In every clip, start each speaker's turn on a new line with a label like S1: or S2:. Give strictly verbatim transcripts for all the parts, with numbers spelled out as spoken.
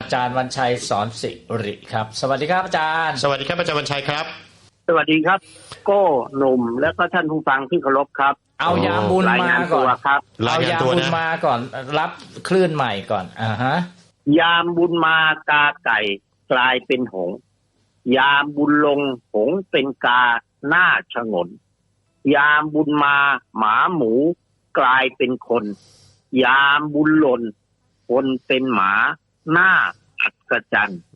S1: จารย์วรรณชัยสอนสิริครับสวัสดีครับอาจารย์
S2: สวัสดีครับอาจารย์วรรณชัยครับ
S3: สวัสดีครับโก้หนุ่มและก็ท่านผู้ฟังที่เคารพครับ
S1: เอายามบุญมาก่อน
S3: ครับ
S1: เอายามบุญมาก่อนรับคลื่นใหม่ก่อนอ่าฮะ
S3: ยามบุญมากาไก่กลายเป็นหงส์ยามบุญลงหงส์เป็นกาหน้าฉงนยามบุญมาหมาหมูกลายเป็นคนยามบุญหล่นคนเป็นหมาหน้าอัศจรรย์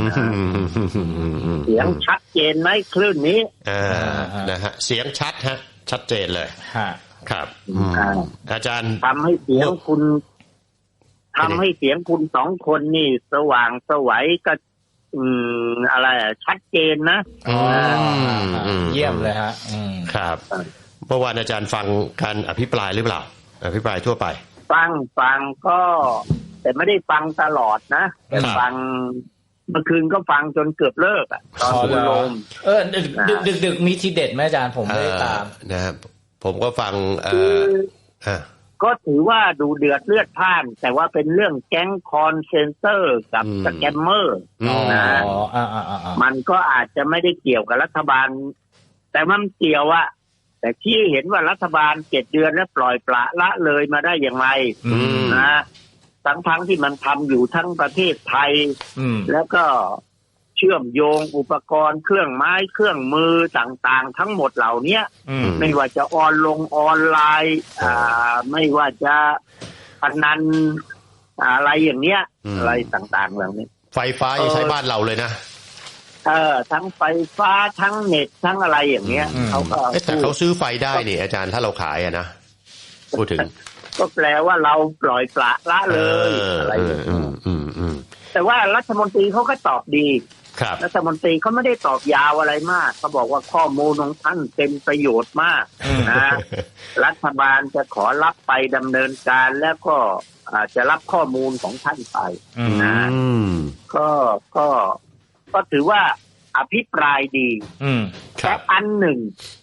S3: เสียงชัดเจนไหมคลื่นนี้
S2: อ่านะฮะเสียงชัดฮะชัดเจนเลยครับอาจารย์
S3: ทำให้เสียงคุณทำให้เสียงคุณสองคนนี่สว่างสวัยก็อืมอะไรชัดเจนนะ
S1: อ๋อเยี่ยมเลยฮะ
S2: ครับเมื่อวานอาจารย์ฟังการอภิปรายหรือเปล่าอภิปรายทั่วไป
S3: ฟังฟังก็แต่ไม่ได้ฟังตลอดนะแต่ฟังเมื่อคืนก็ฟังจนเกือบเลิกอ่ะตอนคุณโรม
S1: เออดึกดึกดึกดึกมีทีเด็ดไหมอาจารย์ผมไม่ได้ตาม
S2: นะครับผมก็ฟังเออ
S3: ก็ถือว่าดูเดือดเลือดพล่านแต่ว่าเป็นเรื่องแก๊งคอนเซนเซอร์กับสแกมเมอร์นะมันก็อาจจะไม่ได้เกี่ยวกับรัฐบาลแต่มันเกี่ยวอะแต่ที่เห็นว่ารัฐบาลเจ็ดเดือนแล้วปล่อยปละละเลยมาได้อย่างไรนะทั้งทั้งที่มันทำอยู่ทั้งประเทศไทยแล้วก็เชื่อมโยงอุปกรณ์เครื่องไม้เครื่องมือต่างๆทั้งหมดเหล่านี้ไม่ว่าจะออนลงออนไลน์อ่าไม่ว่าจะพนันอะไรอย่างเนี้ยอะไรต่างๆเหล่านี้
S2: ไฟฟ้ายังใช้บ้านเราเลยนะ
S3: เออทั้งไฟฟ้าทั้งเน็ตทั้งอะไรอย่างเงี้ยเขาก็
S2: แต่เขาซื้อไฟได้นี่อาจารย์ถ้าเราขายอะนะพูดถึง
S3: ก็แปลว่าเราปล่อยปละละเลยอะไรอย่างเงี้ยแต่ว่ารัฐมนตรีเขาก็ตอบดีรัฐมนตรีเขาไม่ได้ตอบยาวอะไรมากเขาบอกว่าข้อมูลของท่านเป็นประโยชน์มากนะรัฐบาลจะขอรับไปดำเนินการแล้วก็อาจจะรับข้อมูลของท่านไปนะก็ก็ก็ถือว่าอภิปรายดีแต่อันหนึ่ง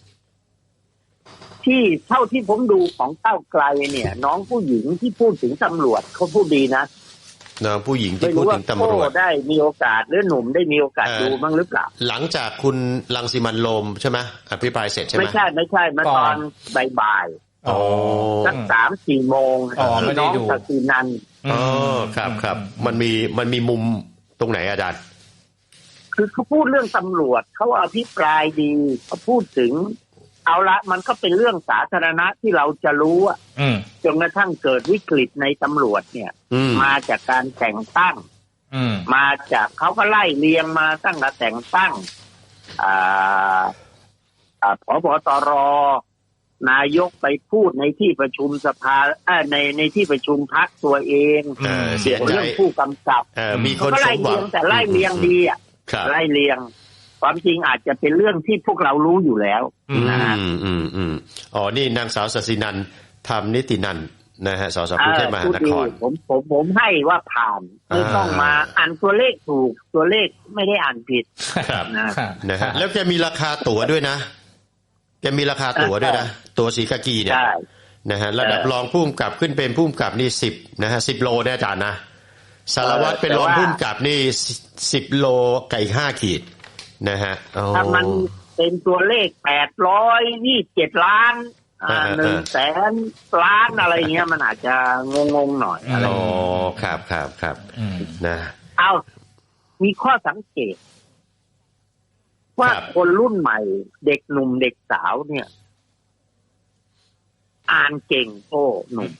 S3: ที่เท่าที่ผมดูของก้าวไกลเนี่ยน้องผู้หญิงที่พูดถึงตำรวจเขาพูดดีนะ
S2: น้องผู้หญิงที่พูดถึงตำรวจ
S3: ได้มีโอกาสหรือหนุ่มได้มีโอกาสดูบ้างหรือเปล่า
S2: หลังจากคุณรังสิมันต์โรมใช่ไหมอภิปรายเสร็จใช่ไหม
S3: ไม่ใช่ไม่ใช่มาตอนบ่ายๆสักสามสี่โมงที่น้องศศินันท์
S2: อ๋อครับครับมันมีมันมีมุมตรงไหนอาจารย์
S3: คือเขาพูดเรื่องตำรวจเขาอภิปรายดีเขาพูดถึงเอาละมันก็เป็นเรื่องสาธารณะที่เราจะรู้อ่ะจนกระทั่งเกิดวิกฤตในตำรวจเนี่ยมาจากการแต่งตั้งมาจากเขาก็ไล่เรียงมาตั้งแต่แต่งตั้งอ่าอ่าผบตรนายกไปพูดในที่ประชุมสภาในในที่ประชุมพรรคตัวเอง
S2: เสียใจ
S3: เรื่องผู้กำกับ
S2: มีคน
S3: ไล่เรียงแต่ไล่เรียงดีอ่ะไล่เรียงความจริงอาจจะเป็นเรื่องที่พวกเรารู้อยู่แล้วนะฮะ
S2: อืมอืมอ๋อนี่นางสาวศศินันท์ธรรมนิตินันท์นะฮะสสกรุงเทพมหานคร
S3: ผมผมผมให้ว่าผ่านไม่ต้องมาอ่านตัวเลขถูกตัวเลขไม่ได้อ่านผิด
S2: ครับนะฮะแล้วแกมีราคาตั๋วด้วยนะแกมีราคาตั๋วด้วยนะตั๋วสีกากีเนี่ยนะฮะระดับรองผู้กำกับขึ้นเป็นผู้กำกับนี่สิบนะฮะสิบโลเนี่ยอาจารย์นะสารวัตรเป็นรองผู้กำกับนี่สิบโลไก่ห้าขีดนะฮะ
S3: ถ้ามันเป็นตัวเลขแปดร้อยยี่สิบเจ็ดล้านหนึ่งแสนล้านอะไรเงี้ยมันอาจจะงงๆหน่อยอะไร
S2: อ๋อครับครับครับนะ
S3: เอามีข้อสังเกตว่าคนรุ่นใหม่เด็กหนุ่มเด็กสาวเนี่ยอ่านเก่งโอ้หนุ่ม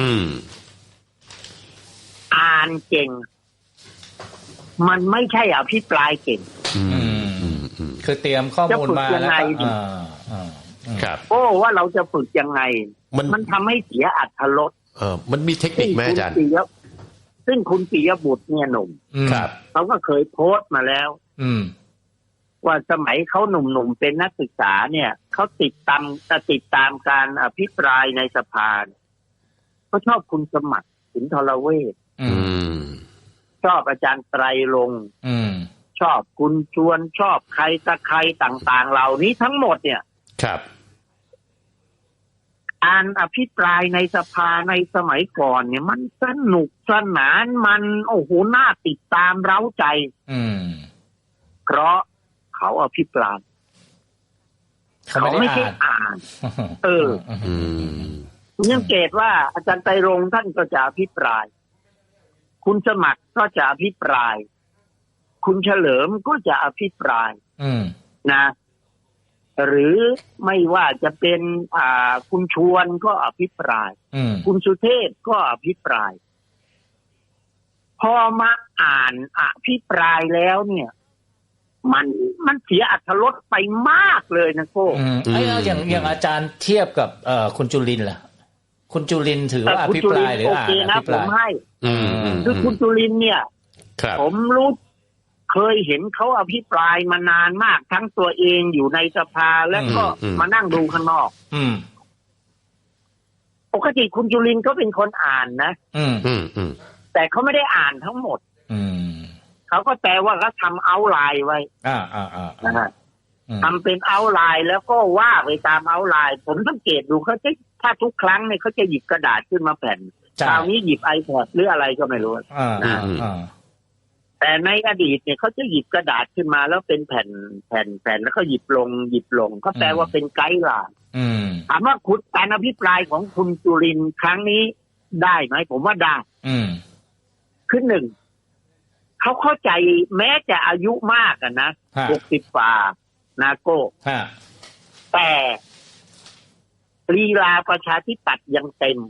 S3: อ่านเก่งมันไม่ใช่อภิปรายเก่ง
S1: คือเตรียมข้อมูลมาแล้ว
S2: ครับ
S3: โอ้ว่าเราจะฝึกยังไงมันมันทำให้เสียอรรถรส
S2: เออมันมีเทคนิคไหมอาจารย์
S3: ซึ่งคุณปิยบุตรเนี่ยหนุ่ม
S2: ครับ
S3: เขาก็เคยโพสต์มาแล้วว่าสมัยเขาหนุ่มๆเป็นนักศึกษาเนี่ยเขาติดตามติดตามการอภิปรายในสภาเขาชอบคุณสมัครสุนทรเวชชอบอาจารย์ไตรรงค์ชอบคุณชวนชอบใครตะใครต่างๆเหล่านี้ทั้งหมดเนี่ย
S2: ครับ
S3: การอภิปรายในสภาในสมัยก่อนเนี่ยมันสนุกสนานมันโอ้โหน่าติดตามเร้าใจ
S1: อืม
S3: เพราะเขาอภิปรายเขาไม่ได้อ่านเออคุณยังเกตว่าอาจารย์ไตรรงค์ท่านก็จะอภิปรายคุณสมัครก็จะอภิปรายคุณเฉลิมก็จะอภิปรายนะหรือไม่ว่าจะเป็นอ่าคุณชวนก็อภิปรายคุณสุเทพก็อภิปรายพอมาอ่านอภิปรายแล้วเนี่ยมันมันเสียอรรถรสไปมากเลยนะโก้
S1: ไอ้เราอย่างอย่างอาจารย์เทียบกับเอ่อคุณจุลินทร์ล่ะคุณจุลินทร์ถือว่าอภิปรายหรืออ่านอภิปรายให้
S3: คือคุณจุลินทร์เนี่ยผมรู้เคยเห็นเขาอภิปรายมานานมากทั้งตัวเองอยู่ในสภาแล้วก็มานั่งดูข้างนอกปกติคุณจุลินทร์ก็เป็นคนอ่านนะแต่เขาไม่ได้อ่านทั้งหมดเขาก็แต่ว่าเขาทำเอาไลน์ไว้อ่าอ่าอ่านะฮะทำเป็นเอาไลน์แล้วก็ว่าไปตามเอาไลน์ผมสังเกตดูเขาจะถ้าทุกครั้งเนี่ยเขาจะหยิบกระดาษขึ้นมาแผ่นคราวนี้หยิบ iPad หรืออะไรก็ไม่รู้อ่าอ่าแต่ในอดีตเนี่ยเขาจะหยิบกระดาษขึ้นมาแล้วเป็นแผ่นแผ่นแผ่นแล้วก็หยิบลงหยิบลงก็แปลว่าเป็นไกด์ไลน์ถามว่าคุณการอภิปรายของคุณจุรินทร์ครั้งนี้ได้ไหมผมว่าได้ขึ้นหนึ่งเขาเข้าใจแม้จะอายุมากอะนะหกสิบฝ่านาโก้แต่ลีลาประชาธิปัตย์ยังเต็ม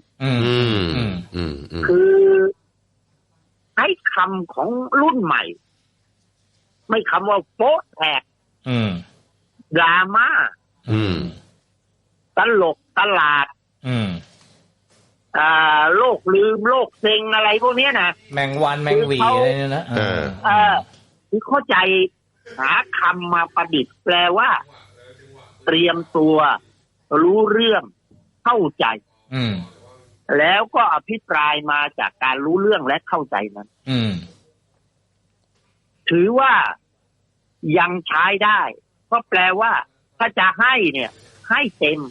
S3: คือใช้คำของรุ่นใหม่ไม่คำว่าโป๊ะแตกดราม่าตลกตลาดอ่าโลกลืมโลกเซ็งอะไรพวกนี้นะ
S1: แมงวันแมงหวีอะไรเนี่ยนะเออ
S3: เออคือเข้าใจหาคำมาประดิษฐ์แปลว่าเตรียมตัวรู้เรื่องเข้าใจ
S1: อืม
S3: แล้วก็อภิปรายมาจากการรู้เรื่องและเข้าใจนั้น
S1: อืม
S3: ถือว่ายังใช้ได้ก็แปลว่าถ้าจะให้เนี่ยให้เต็ม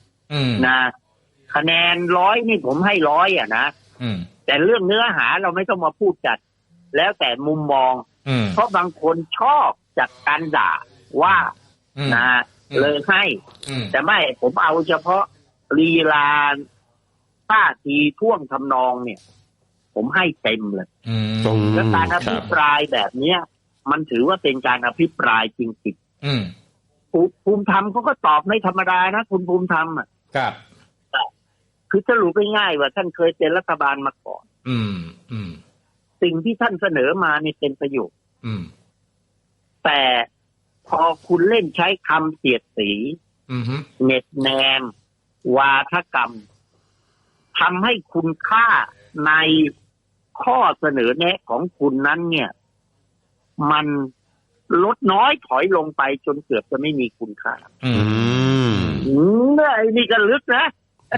S3: นะคะแนนร้อยนี่ผมให้ร้อยอ่ะนะแต่เรื่องเนื้อหาเราไม่ต้องมาพูดจัดแล้วแต่มุมมองเพราะบางคนชอบจากการด่าว่านะเลยให้แต่ไม่ผมเอาเฉพาะลีลาท่าทีท่วงทำนองเนี่ยผมให้เต็มเลยและการอภิปรายแบบเนี้ยมันถือว่าเป็นการอภิปรายจริงๆภูมิธรรมเขาก็ตอบไม่ธรรมดานะคุณภูมิธรรมอ่ะ
S1: ครับ
S3: คือสรุปง่ายๆว่าท่านเคยเป็นรัฐบาลมาก่อน
S1: อืมอืม
S3: สิ่งที่ท่านเสนอมานี่เป็นประโยชน์
S1: อืม
S3: แต่พอคุณเล่นใช้คำเสียดสีเน็ตแนมวาทกรรมทำให้คุณค่าในข้อเสนอแนะของคุณนั้นเนี่ยมันลดน้อยถอยลงไปจนเกือบจะไม่มีคุณค่า
S1: อืม
S3: ไอ้นี่ก็ลึกนะ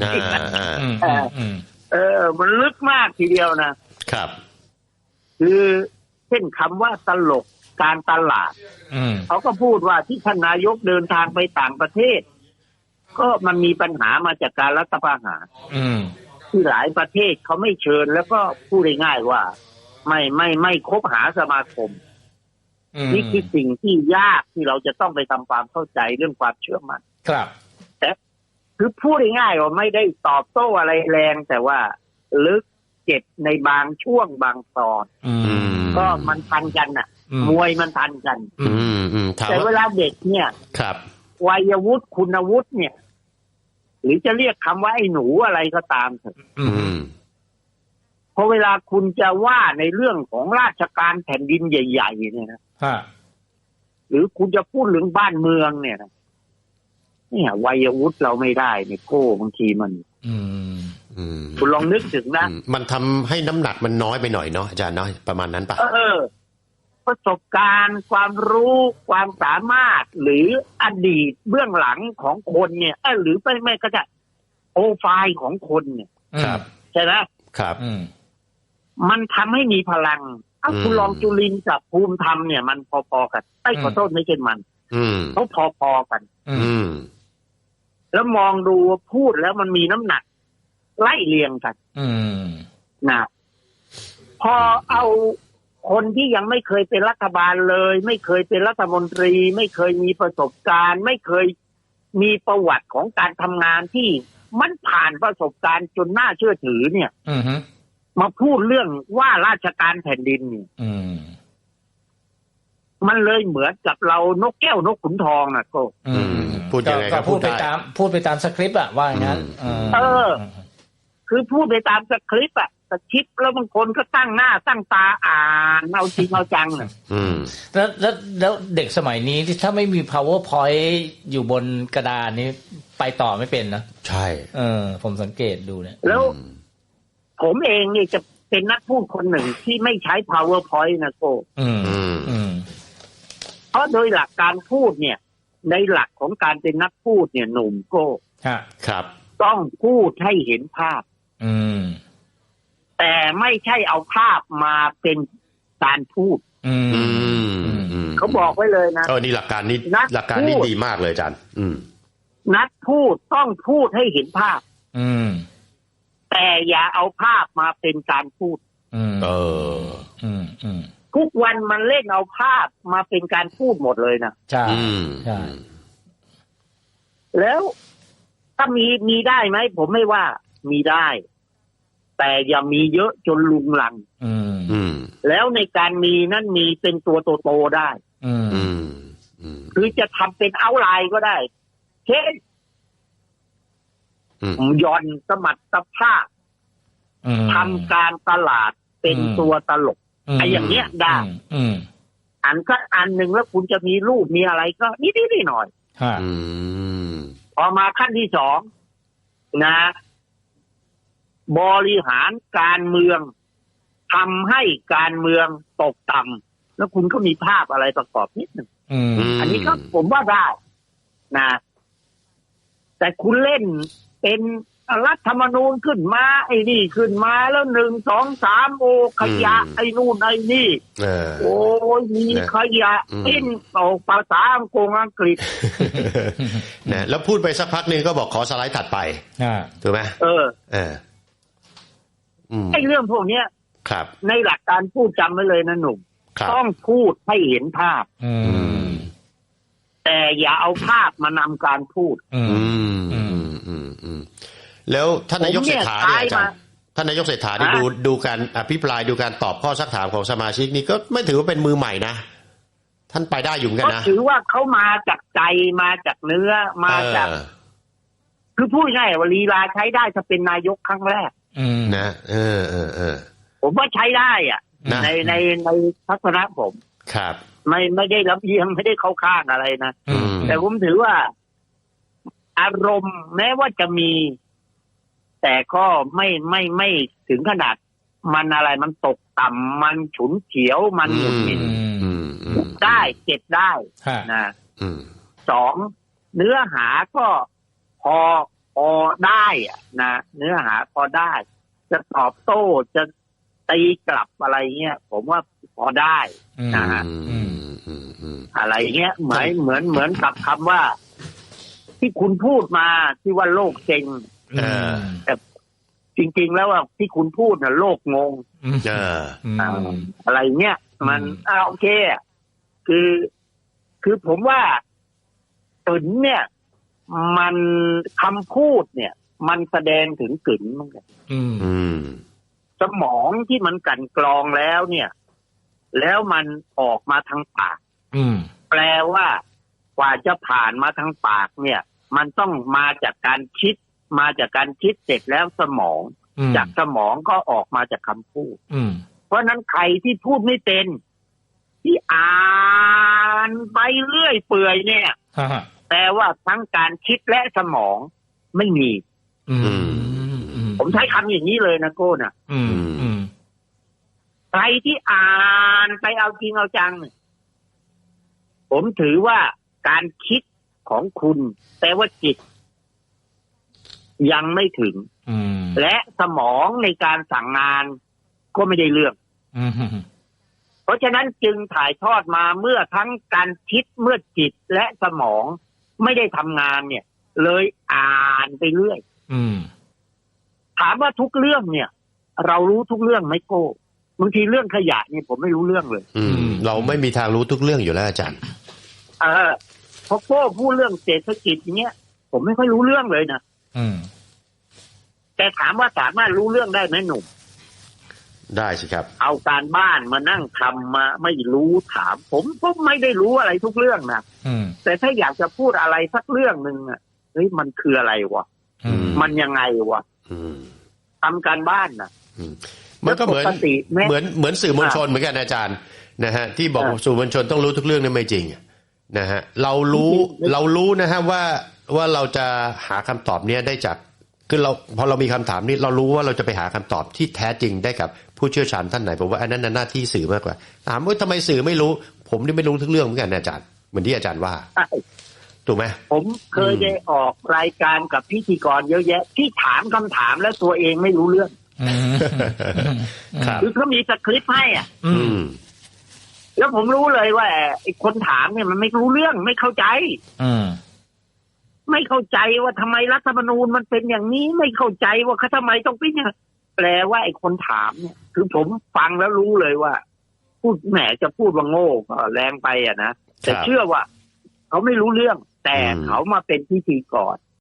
S3: เออมันลึกมากทีเดียวนะครับคือเช่นคำว่าตลกการตลาดเขาก็พูดว่าที่ท่านนายกเดินทางไปต่างประเทศก็มันมีปัญหามาจากการรัฐประหารที่หลายประเทศเขาไม่เชิญแล้วก็พูดง่ายๆว่าไม่ไม่ไม่คบหาสมาคมนี่คือสิ่งที่ยากที่เราจะต้องไปทำความเข้าใจเรื่องความเชื่อมั่น
S1: ครับ
S3: แต่คือพูดง่ายๆว่าไม่ได้ตอบโต้อะไรแรงแต่ว่าลึกเจ็บในบางช่วงบางตอนก็มันทันกันน่ะมวยมันทันกันแต่เวลาเด็กเนี่ย
S2: ครับ
S3: วัยวุฒิคุณวุฒิเนี่ยหรือจะเรียกคำว่าไอ้หนูอะไรก็ตามเถอะเพราะเวลาคุณจะว่าในเรื่องของราชการแผ่นดินใหญ่ๆเนี่ยนะหรือคุณจะพูดเรื่องบ้านเมืองเนี่ยนะเนี่ยวัยวุฒิเราไม่ได้เนี่ยโก้บางทีมันคุณลองนึกถึงนะ
S2: มันทำให้น้ำหนักมันน้อยไปหน่อยเนาะอาจารย์เนาะประมาณนั้นปะ
S3: เออประสบการณ์ความรู้ความสามารถหรืออดีตเบื้องหลังของคนเนี่ยเออหรือไม่ไม่ก็จะโปรไฟล์ของคนเนี่ย
S2: ครับ
S3: ใช่ไหม
S2: ครับ
S3: มันทำให้มีพลังถ้าคุณลองจุลินกับภูมิธรรมเนี่ยมันพอๆกันไอ้ขอโทษไม่ใช่มันเขาพอๆกันแล้วมองดูพูดแล้วมันมีน้ำหนักไล่เรียงกัน
S1: อืม
S3: นะพอเอาคนที่ยังไม่เคยเป็นรัฐบาลเลยไม่เคยเป็นรัฐมนตรีไม่เคยมีประสบการณ์ไม่เคยมีประวัติของการทำงานที่มันผ่านประสบการณ์จนน่าเชื่อถือเนี่ยมาพูดเรื่องว่าราชการแผ่นดินเนี่ยมันเลยเหมือนกับเรานกแก้วนกขุนทองนะก็
S2: พูดยังไงก็
S1: พูดไปตามพูดไปตามสคริปต์อะว่าอย่างนั้น
S3: เออคือพูดไปตามสคริปต์อะสคริปต์แล้วบางคนก็ตั้งหน้าตั้งตาอ่านเอาจริงเอาจังน่ะ
S1: แล้วแล้วแล้วเด็กสมัยนี้ที่ถ้าไม่มี powerpoint อยู่บนกระดานนี้ไปต่อไม่เป็นนะ
S2: ใช่
S1: เออผมสังเกตดูเนี่ย
S3: แล้วผมเองนี่จะเป็นนักพูดคนหนึ่งที่ไม่ใช้ powerpoint นะโก้
S1: อืมอืม
S3: เพราะโดยหลักการพูดเนี่ยในหลักของการเป็นนักพูดเนี่ยหนุ่มโก้
S2: ครับ
S3: ต้องพูดให้เห็นภาพ
S1: อืม
S3: แต่ไม่ใช่เอาภาพมาเป็นการพูด
S1: อื
S3: มเขาบอกไว้เลยนะ
S2: เออนี่หลักการนี้หลักการนี้ดีมากเลยอาจารย์อืม
S3: นักพูดต้องพูดให้เห็นภาพ
S1: อืม
S3: แต่อย่าเอาภาพมาเป็นการพูด
S1: อืม
S2: เออ
S1: อืมอืม
S3: ทุกวันมันเล่นเอาภาพมาเป็นการพูดหมดเลยนะ
S1: ใช่ใช่
S3: แล้วถ้ามีมีได้ไหมผมไม่ว่ามีได้แต่อย่ามีเยอะจนลุงลัง
S1: อืม
S2: อืม
S3: แล้วในการมีนั้นมีเป็นตัวโตๆได้
S1: อืม
S2: อืมอืม
S3: คือจะทำเป็นเอาท์ไลน์ก็ได้เช่นย่อนสมรรถภาพทำการตลาดเป็นตัวตลกไอ้อย่างเงี้ยได้อันก็อันหนึ่งแล้วคุณจะมีรูปมีอะไรก็นิดๆหน่อยพอมาขั้นที่สองนะบริหารการเมืองทำให้การเมืองตกต่ำแล้วคุณก็มีภาพอะไรประกอบนิดหนึ่งอันนี้ก็ผมว่าได้นะแต่คุณเล่นเป็นรัฐธรรมนูญขึ้นมาไอ้นี่ขึ้นมาแล้วหนึ่งสองสามโอขยะไอ้นู่นไอ้นี่โอ้ยมีขยะปิ้นออกภาษาอังกฤษอังกฤษ
S2: นะแล้วพูดไปสักพักนึงก็บอกขอสไลด์ถัดไปถูกไหม
S3: เออ
S2: เออ
S3: ไอ้เรื่องพวกเนี้ย
S2: ครับ
S3: ในหลักการพูดจำไว้เลยนะหนุ่มต้องพูดให้เห็นภาพแต่อย่าเอาภาพมานำการพูด
S2: อืมอืมอืมอืมแล้วท่านนายกเศรษฐาเนี่ยอาจารย์ท่านนายกเศรษฐานี่ดูดูการอภิปรายดูการตอบข้อซักถามของสมาชิกนี่ก็ไม่ถือว่าเป็นมือใหม่นะท่านไปได้อยู่กันนะ
S3: ก็ถือว่าเขามาจากใจมาจากเนื้อมาจากคือพูดง่ายว่าลีลาใช้ได้จะเป็นนายกครั้งแรก
S2: นะเออเออเออ
S3: ผมว่าใช้ได้อ่ะในในในทัศนะผม
S2: ครับ
S3: ไม่ไม่ได้รับเยียงไม่ได้เข้าข้างอะไรนะแต่ผมถือว่าอารมณ์แม้ว่าจะมีแต่ก็ไม่ไม่ไม่ถึงขนาดมันอะไรมันตกต่ำมันฉุนเฉียวมันหงุดหงิดได้เก็บได้นะสองเนื้อหาก็พอพอได้อะนะเนื้อหาพอได้จะตอบโต้จะตีกลับอะไรเงี้ยผมว่าพอได้นะฮะอะไรเงี้ยเหมือนเหมือนเหมือนกับคำว่าที่คุณพูดมาที่ว่าโลกเซ็งแต่จริงๆแล้วว่าที่คุณพูดน่ะโลกงงอะไรเงี้ยมันอ่าโอเคคือคือผมว่าตึนเนี่ยมันคำพูดเนี่ยมันแสดงถึงกึ๋นเหมือนกันสมองที่มันกลั่นกรองแล้วเนี่ยแล้วมันออกมาทางปากแปลว่ากว่าจะผ่านมาทางปากเนี่ยมันต้องมาจากการคิดมาจากการคิดเสร็จแล้วสมองจากสมองก็ออกมาจากคำพูดเพราะนั้นใครที่พูดไม่เป็นที่อ่านไปเรื่อยเปื่อยเนี่ยแต่ว่าทั้งการคิดและสมองไม่มีผมใช้คำอย่างนี้เลยนะโก้น่ะใครที่อ่านไปเอาจริงเอาจังผมถือว่าการคิดของคุณแต่ว่าจิตยังไม่ถึงและสมองในการสั่งงานก็ไม่ได้เรื่องเพราะฉะนั้นจึงถ่ายทอดมาเมื่อทั้งการคิดเมื่อจิตและสมองไม่ได้ทำงานเนี่ยเลยอ่านไปเรื่อย
S1: อืม
S3: ถามว่าทุกเรื่องเนี่ย เรารู้ทุกเรื่องไหมโก้บางทีเรื่องขยะเนี่ยผมไม่รู้เรื่องเลย
S2: อืมเราไม่มีทางรู้ทุกเรื่องอยู่แล้วอาจารย์
S3: เออพอโก้พูดเรื่องเศรษฐกิจเนี้ยผมไม่ค่อยรู้เรื่องเลยนะ
S1: อืม
S3: แต่ถามว่าสามารถรู้เรื่องได้ไหมหนุ่ม
S2: ได้สิครับ
S3: เอาการบ้านมานั่งทำมาไม่รู้ถามผมก็ไม่ได้รู้อะไรทุกเรื่องนะแต่ถ้าอยากจะพูดอะไรสักเรื่องหนึ่งอ่ะเฮ้ยมันคืออะไรวะมันยังไงวะทำการบ้านนะ
S2: มันก็เหมือนเหมือนเหมือนสื่อมวลชนเหมือนกันอาจารย์นะฮะที่บอกสื่อมวลชนต้องรู้ทุกเรื่องนี่ไม่จริงนะฮะเรารู้เรารู้นะฮะว่าว่าเราจะหาคำตอบเนี้ยได้จากคือเราพอเรามีคำถามนี้เรารู้ว่าเราจะไปหาคำตอบที่แท้จริงได้กับผู้เชี่ยวชาญท่านไหนผมว่าอันนั้นหน้าที่สื่อมากกว่าถามว่าทำไมสื่อไม่รู้ผมนี่ไม่รู้ทุกเรื่องเหมือนกันอาจารย์เหมือนที่อาจารย์ว่าถูกไหม
S3: ผมเคยได้ออกรายการกับพิธีกรเยอะแยะที่ถามคำถามแล้วตัวเองไม่รู้เรื่องคือเขามีสคริปต์ให้อ่ะแล้วผมรู้เลยว่าไอ้คนถามเนี่ยมันไม่รู้เรื่องไม่เข้าใจไม่เข้าใจว่าทำไมรัฐธรรมนูญมันเป็นอย่างนี้ไม่เข้าใจว่าเขาทำไมต้องเป็นอย่างแปลว่าไอ้คนถามเนี่ยคือผมฟังแล้วรู้เลยว่าพูดแหมจะพูดว่าโง่ก็แรงไปอ่ะนะแต่เชื่อว่าเขาไม่รู้เรื่องแต่เขามาเป็นพิธีกร